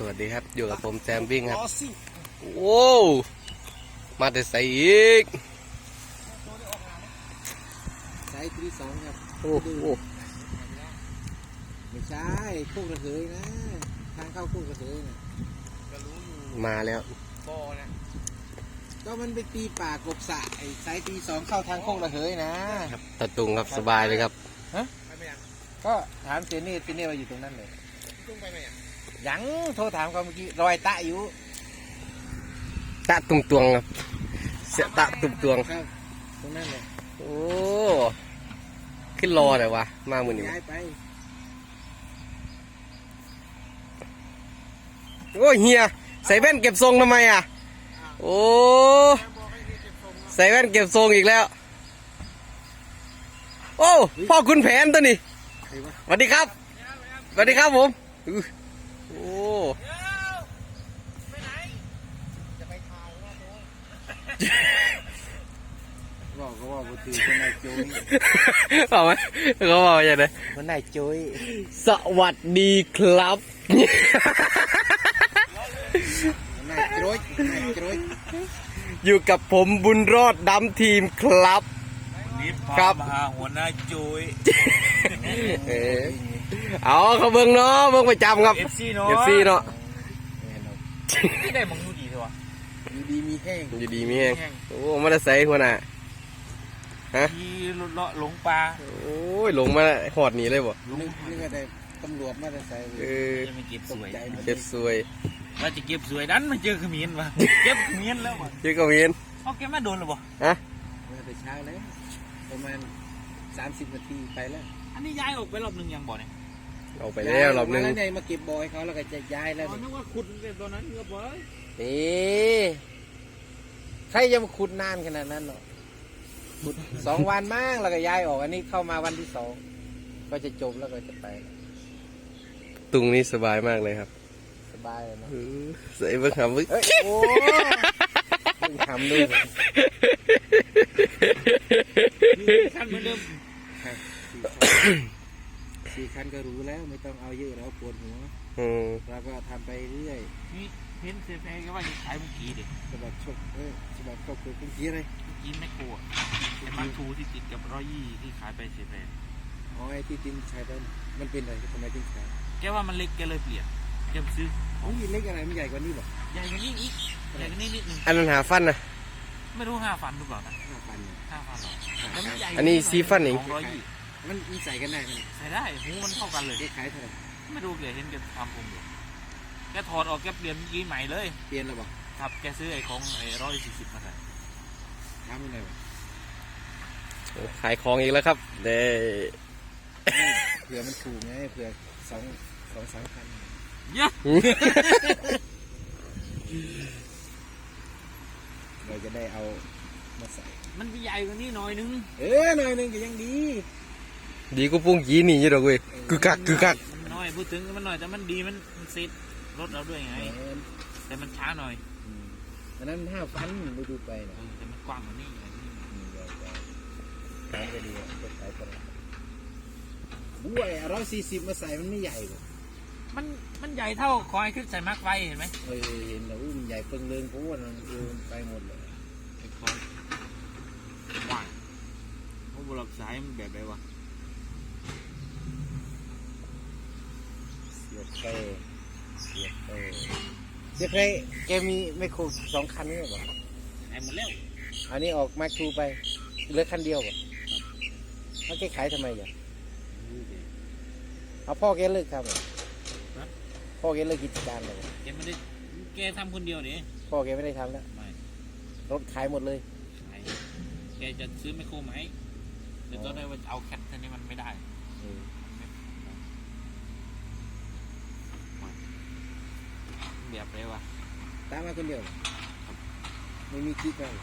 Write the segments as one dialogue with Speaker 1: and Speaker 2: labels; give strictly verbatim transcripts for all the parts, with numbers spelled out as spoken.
Speaker 1: วัสดีครับอยู่กับผมแซมวิ่งครับโอ้มาแต่ใส่อีก
Speaker 2: ใส่ที่สองครับ
Speaker 1: โอ้โห
Speaker 2: ไม่ใช่โคกระเทยนะทางเข้าโคกระเทยนะก็รู้อยู่
Speaker 1: มาแล้ว
Speaker 2: บ่อนะก็มันไปตีป่ากบสะไอ้สายตีสองเข้าทางโคกระเทยนะครับ
Speaker 1: ตะตุงครับสบายเลยครับ
Speaker 2: ฮะก็ถามเจนี่เจนี่ว่าอยู่ตรงนั้นเลยตุ้งไปไหมยังโทรถามเขาเมื่อกี้รอยตะอยู่
Speaker 1: ตะตุงตวงครับเสียตะตุงตวง
Speaker 2: ครับตรงนั้นเลย
Speaker 1: โอ้ขึ้นรอเลยวะมาหมือนี้
Speaker 2: ย้ายไป
Speaker 1: โอ้เฮียใส่แว่นเก็บทรงทำไมอ่ะโอ้ใส่แว่นเก็บทรงอีกแล้วโอ้พ่อคุณแผนตัวนี้สวัสดีครับสวัสดีครับผมโอ้
Speaker 2: บอกก็ว่าบุตรีคนนายโจ้ย
Speaker 1: บอกไหมเขาบอกอย่างไร
Speaker 2: คนนายโจ้ย
Speaker 1: สวัสดีครับ
Speaker 2: นายโจ้ยนายโจ้ย
Speaker 1: อยู่กับผมบุญรอดดำทีมครับ
Speaker 3: ครับมาหาหัวหน้าโจ้ย
Speaker 1: เออเอาเขาเบิ่งเนาะเบิ่งประจำครับ
Speaker 3: เอฟซีเนาะ
Speaker 1: เอฟซีเนาะ
Speaker 3: ที่ได้มองดูดีใช่ปะ
Speaker 2: อยู่ดีมีแห้ง
Speaker 1: อยู่ดีมีแห้งโอ้มาได้ใส่หัวหน้าฮะ
Speaker 3: ที่เลาะหลงปลา
Speaker 1: โอ้ยลงมาหอดหนีเลยบ่
Speaker 2: นึกนึกว่าได้ตำรวจมาได้ใส่
Speaker 1: เออ
Speaker 3: จะไม่เก็บสวย
Speaker 1: เก็บสวย
Speaker 3: ว่าจะเก็บสวยดันมาเจอขมิ้นวะเก็บขมิ้นแล้ววะ
Speaker 1: เจอขมิ้น
Speaker 3: เอาเก็บมาโดนหรือเปล่า
Speaker 1: ฮะ
Speaker 2: มาแต่เช้าแล้วประมาณสามสิบนาทีไปแล้ว
Speaker 3: อันนี้ย้ายออกไปรอบหนึ่งยังบ่เนี่ย
Speaker 1: ออกไปแล้วรอบนึง
Speaker 2: แล้วไงมาเก็บบอยเขาแล้วก็จะย้ายแล้ว
Speaker 3: นึกว่าขุดตอนนั้นก็บ่อย
Speaker 2: นี่ใครจะมาขุดนานขนาดนั้นหรอขุดสองวันมากแล้วก็ย้ายออกอันนี้เข้ามาวันที่สองก็จะจบแล้วก็จะไป
Speaker 1: ตุงนี่สบายมากเลยครับ
Speaker 2: สบายเลยนะ
Speaker 1: ใส่เบิ้งหำบึ้ง
Speaker 2: โอ้เบิ้งหำด้วย
Speaker 3: ขั้นเหมือนเดิม
Speaker 2: สี่คันก็รู้แล้วไม่ต้องเอาเยอะแล้วปวดหัวเราก็ทำไปเรื่อย
Speaker 3: นี่เห็นเซฟเองก็ว่าจะขายเมื่อกี้ดิ
Speaker 2: สบัดชกเออสบัดชกคือเมื่อกี้อะไร
Speaker 3: เมื่อกี้ไม่กลัวแต่มาทูที่ติดกับร้อยยี่ที่ขายไปเซฟเอง
Speaker 2: อ๋อไอ้ที่ตินใช้ไปมันเป็นอะไรทำไมตินใช้
Speaker 3: แกว่ามันเล็กแกเลยเปลี่ยนแกซื้อ
Speaker 2: อ๋อเล็กอะไรมันใหญ่กว่านี้หรอ
Speaker 3: ใหญ่กว่านี้อีกใหญ่กว่านี้นิดนึง
Speaker 1: อันนั้นหาฟันนะ
Speaker 3: ไม่รู้ห้าฟันหรือเปล่านะ
Speaker 2: ห้าฟัน
Speaker 3: ห้าฟันหรอแล้วมันใหญ่
Speaker 1: อันนี้ซีฟันเอง
Speaker 2: มันมันใส่กันได้ไหม
Speaker 3: ใส่ได้หูมันเท่ากันเลย
Speaker 2: ขายเท่าไหร่
Speaker 3: ไม่รู้แกเห็นแกทำผมอยู่แกถอดออกแกเปลี่ยนยี่ใหม่เลย
Speaker 2: เปลี่ยนแล้วบอก
Speaker 3: ครับแกซื้อไอ้ของไอ้ร้อยสี่สิบมาใส่
Speaker 2: ทำยังไงวะ
Speaker 1: ขายของอีกแล้วครับเด้
Speaker 2: เผื่อมันถูกไงเผื่อสองสองสามพัน
Speaker 3: เยอะ
Speaker 2: เราจะได้เอามาใส่
Speaker 3: มันใหญ่กว่านี้หน่อยนึง
Speaker 2: เออหน่อยนึงก็ยังดี
Speaker 1: ดีก็ปุ้งยีนี่ยี่ดอกเว้ยคือกักคือกัก
Speaker 3: มันน้อยพูดถึงมันหน่อยแต่มันดีมันมันเซ็ตรถเราด้วยไงแต่มันช้าหน่อย
Speaker 2: อันนั้นห้าฟันดูดูไปนะ
Speaker 3: แต่มันกว้างกว่านี้
Speaker 2: ขายไปดีก็ขายไปบุ้ยร้อยสี่สิบมาใส่มันไม่ใหญ่หรอก
Speaker 3: มันมันใหญ่เท่าคอยขึ้นใส่มาร์กไฟเห็นไหม
Speaker 2: เออเห็นแล้วมันใหญ่เปิงเลิงเพราะว่ามันดูไปหมดเลย
Speaker 3: คอยว่างเพราะบล็อกสายมันแบบไหนวะ
Speaker 2: เสียบเตะเสียบเตะเสียบเตะแกมีไมโครสองคันนี่หรอ
Speaker 3: ไอ้หมดแล้ว
Speaker 2: อันนี้ออกมาครูไปเหลือคันเดียวป่ะแล้วแกขายทำไมอ่ะเอาพ่อแกเลิกทำเหรอพ่อแกเลิกกิจการเลย
Speaker 3: แกไม่ได้แกทำคนเดียวเนี่ย
Speaker 2: พ่อแกไม่ได้ทำแล้ว
Speaker 3: ไม่
Speaker 2: รถขายหมดเลย
Speaker 3: ขายแกจะซื้อไมโครไหมแต่ตอนนี้ว่าเอาแคทเท่านี้มันไม่ได้แบบไรวะ
Speaker 2: ตามมาคนเดียวไม่มีกิ๊กเลย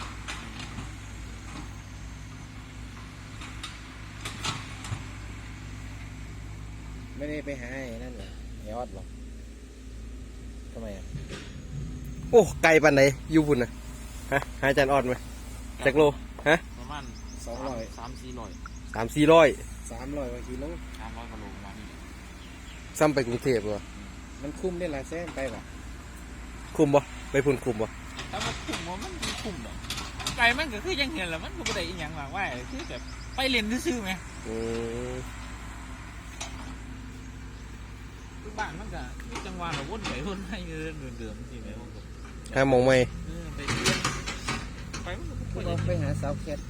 Speaker 2: ไม่ได้ไปหาไอ้นั่นเหรอไอ้ออดหรอกทำไมอ่ะ
Speaker 1: โอ้ไกลปันไหนยูบุญนะฮะหาจานออดไหมจักโลฮะ
Speaker 3: ประมาณ
Speaker 2: สองร้อย
Speaker 3: สามสี่ร้อย
Speaker 1: สามสี่ร้อย
Speaker 2: สามร้อยกว่ากิโล
Speaker 3: สามร้อยกิโลประมาณนี้
Speaker 1: ซ้ำไปกรุงเทพเหรอ
Speaker 2: มันคุ้มได้หลายแสนไปป่ะ
Speaker 1: คุมบ่ไปพุ่นคุมบ่
Speaker 3: ถ้ามันคุ้มว่ามันมีคุ้มดอกไก่มันก็คือยังเห็นแหละมันก็ไม่ได้อีหยังมากว่าคือแบบไปเล่นซื่อๆไหม
Speaker 1: อืม
Speaker 3: คือบ้านมันก็มีจังหวะเราวนไปวนมาอยู่เดิมๆสิแม่ผมก็
Speaker 1: ห้ามองไม่
Speaker 3: เออไปเรียนไปมันก็
Speaker 2: ก็
Speaker 3: บ่ได้
Speaker 2: ไปหาสาวแคท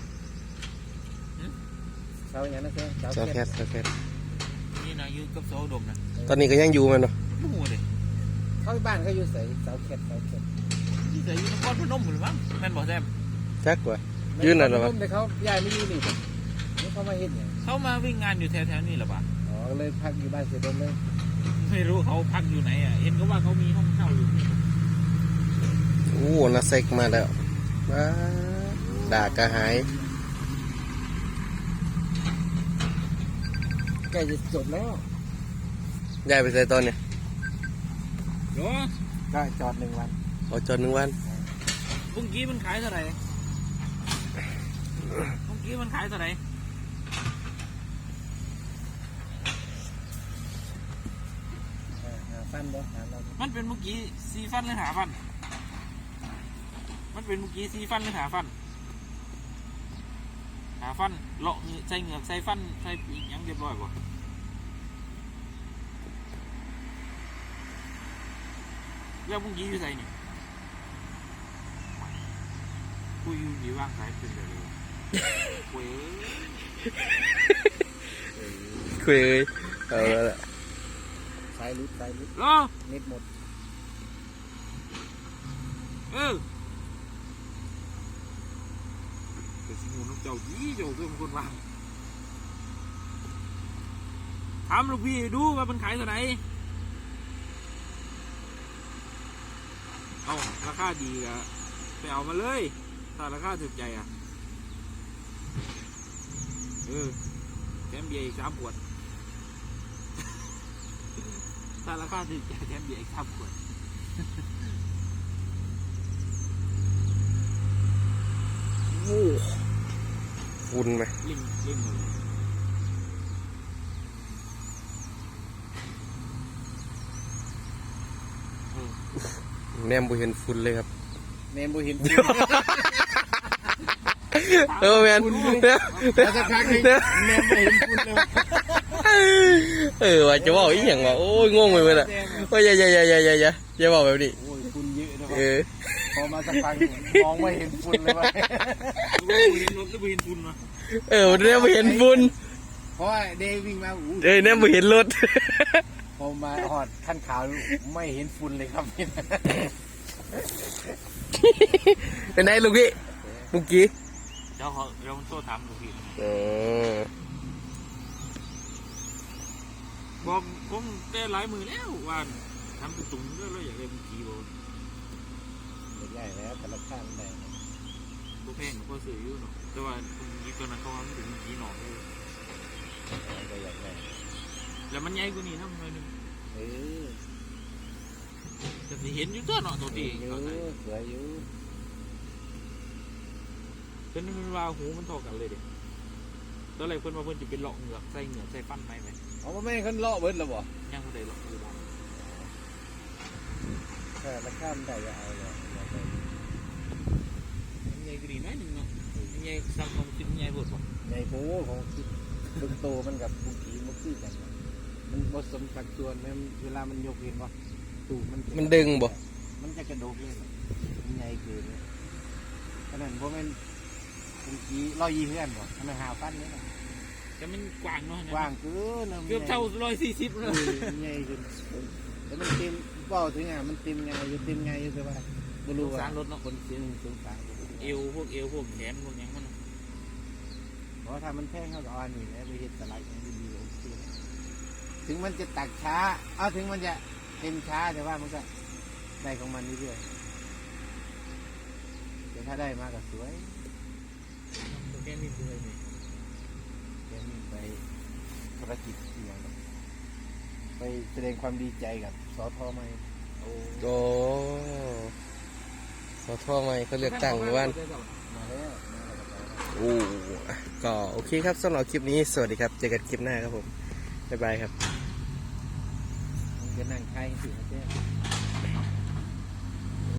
Speaker 2: สาวอย่างนั้นแค่สาว
Speaker 1: ซอ
Speaker 2: แค
Speaker 1: แค
Speaker 2: ท
Speaker 1: ทซอแคท
Speaker 3: นี่นะอยู่กับโซดมนะ
Speaker 1: ตอนนี้ก็ยังอยู่แมันเนาะ
Speaker 3: โอ้โหเลย
Speaker 2: เขาบ้านเขาอยู่ใส่สาวแคทสาวแคท
Speaker 3: ที่เคยอยู่นครพนมหรือมั้งแม่นบอกแซม
Speaker 1: จักว่ายืนนั่นเหรอวะ
Speaker 2: แต่เขาย้ายไม่อยู่นี่นี่เขามาเห็นอย่าง
Speaker 3: เขามาวิ่งงานอยู่แถวๆนี่หรอปะ
Speaker 2: อ๋อเลยพักอยู่บ้านเสด็จเลย
Speaker 3: ไม่รู้เขาพักอยู่ไหนอ่ะเห็นก็ว่าเขามีห้องเช่าอยู่นี่
Speaker 1: โอ้นาเซกมาแล้วว้าด่ากระหาย
Speaker 2: ใกล้จะจบแล้ว
Speaker 1: ย้ายไปใส่ตอนเนี่ย
Speaker 3: เดี๋ยว
Speaker 2: ก็จอดหนึ่งวัน
Speaker 1: เอาจอดหนึ่งวัน
Speaker 3: เมื่อกี้มันขายเท่าไหร่เมื่อกี้มันขายเท่าไหร่
Speaker 2: หาฟันบ่หาเรา
Speaker 3: มันเป็นเมื่อกี้ซีฟันหรือหาฟัน มันเป็นเมื่อกี้ซีฟันหรือหาฟัน หาฟันเลาะใส่เหงือกใส่ฟันใส่ปีกยังเรียบร้อยกว่าแล้วเมื่อกี้อยู่ใส่นี่กูอยู่ดีว่างสายเป็นแบบนี้เว้ย
Speaker 1: คุยเลยเอาแล้วล่ะ
Speaker 2: สายลุดสายลุด
Speaker 3: รอ
Speaker 2: เน็ตหมด
Speaker 3: เออแต่สิงูน้องเจ้ายี่เจ้าเรื่องคนวางถามลูกพี่ดูว่ามันขายเท่าไหร่เอาราคาดีอะไปเอามาเลยถ้าราคาถูกใจอ่ะเออแถมเบียร์อีกสามขวด ถ้าราคาถูกใจแถมเบียร์อีกสามขวด
Speaker 1: โอ้ฝุ่นไหม
Speaker 3: ลิงลิงหมดเลยเออ
Speaker 1: แนมบุเห็นฝุ่นเลยครับ
Speaker 2: เนมบุหิน
Speaker 1: เออแมน
Speaker 2: แล้วสักพักนึงเนมบุหินคุณเลย
Speaker 1: เออว่าจะบอกอีกอย่างว่าโอ้ยงงไปหมดอ่ะโอ้ยอย่าอย่าอย่าอย่าอย่าอย่าอย่าบอกแบบนี้
Speaker 2: โอ้ยคุณเยอะนะ
Speaker 1: เออ
Speaker 2: พอมาสักพักมองไม่เห็นฝุ่นเลยว่ะ
Speaker 3: ลูกเห็นรถหรือเห็นทุนมา
Speaker 1: เออแนมบุเห็นฝุ่น
Speaker 2: เพราะว่าเดย์วิ่งมาอู้
Speaker 1: เอ้ยแนมบุเห็นรถ
Speaker 2: พอมาหอดขั้นขาวไม่เห็นฝุ่นเลยครับ
Speaker 1: เป็นไงลูกพี่เมื่อกี้
Speaker 3: เดี๋ยวเขาเดี๋ยวมันโทษถามลูกพี่
Speaker 1: เออ
Speaker 3: บอกผมแต่หลายมือแล้วว่าทำตุ้งๆด้วยแล้วอยากได้เมื่อกี้บอก
Speaker 2: ใหญ่แล้วแต่ละข้างได้
Speaker 3: พวกแพงก็ซื้ออยู่เนาะแต่ว่าเมื่อกี้ตัวนั้นเขาทำถึงเมื่อกี้หนอกเลย
Speaker 2: ก็อยากได้
Speaker 3: แล้วมันใหญ่กว่านี้นะมันหน่อยหนึง
Speaker 2: เออ
Speaker 3: แต่สิเห็นอยู่ตัวเนาะตัวตี
Speaker 2: อยู่
Speaker 3: เขาใส่
Speaker 2: สวยอยู่
Speaker 3: เพิ่นมันว่าหูมันเท่ากันเลยเด็กตอนแรกเพิ่นว่าเพิ่นจะเป็นเลาะเหงือกใส่เหงือกใส่ฟันไหมไหม
Speaker 2: เอามาแม่งขึ้นเลาะเบิดแล้วบ่
Speaker 3: ยังไม่ได้เลาะอยู่บ้าง
Speaker 2: แต่ละข้ามได้จะเอาเลย
Speaker 3: มันใหญ่กว่านี้หน้อยหนึงเนาะมันใหญ่ซ้ำของกินใหญ่บดบ่
Speaker 2: ในโป้ของตึกโตมันกับบุกีมันคือกันมันผสมสัดส่วนมันเวลามันยกเห็นว่าตูดมัน
Speaker 1: มันดึงบ่
Speaker 2: มันจะกระโดดเลยมันใหญ่เกินเลยขนาดพวกมันบุกีร้อยยี่เพื่อนบ่ขนาดหาฟันนี่นะ
Speaker 3: แต่มันกว้างเนาะ
Speaker 2: กว้างเกิน
Speaker 3: เกือบเท่าร้อยสี่สิบเลย
Speaker 2: ใหญ่จนแล้วมันเต็มเป้าถึงอ่ะมันเต็มไงอยู่เต็มไงอยู่แต่ว่าไม่รู้ว่า
Speaker 3: สารรถเนาะ
Speaker 2: คนเสียงสงสาร
Speaker 3: เอวพวกเอวพวกแขนพวกหยังมัน
Speaker 2: เพราะถ้ามันแพงเขาก็เอาอันนี้แล้วไปเห็ดสไลด์อย่างดีๆโอเคถึงมันจะตักช้าเอาถึงมันจะเต็มช้าแต่ว่ามันก็ได้ของมันเรื่อยๆแต่ถ้าได้มาก็สวย
Speaker 3: แค่นี้เลยนี่
Speaker 2: แกนี่ไปภารกิจที่อย่างนั้นไปแสดงความดีใจกับสอทอไหม
Speaker 3: โอ้
Speaker 1: โอ้ขอโทษไหมเขาเลือกตั้งหรือว่า
Speaker 2: มาแล้วมาแล้วก็ไปแล้ว
Speaker 1: โอ้ก็โอเคครับสำหรับคลิปนี้สวัสดีครับเจอกันคลิปหน้าครับผมบ๊ายบายครับ
Speaker 2: มันจะก็นั่งใช้สินะเจ้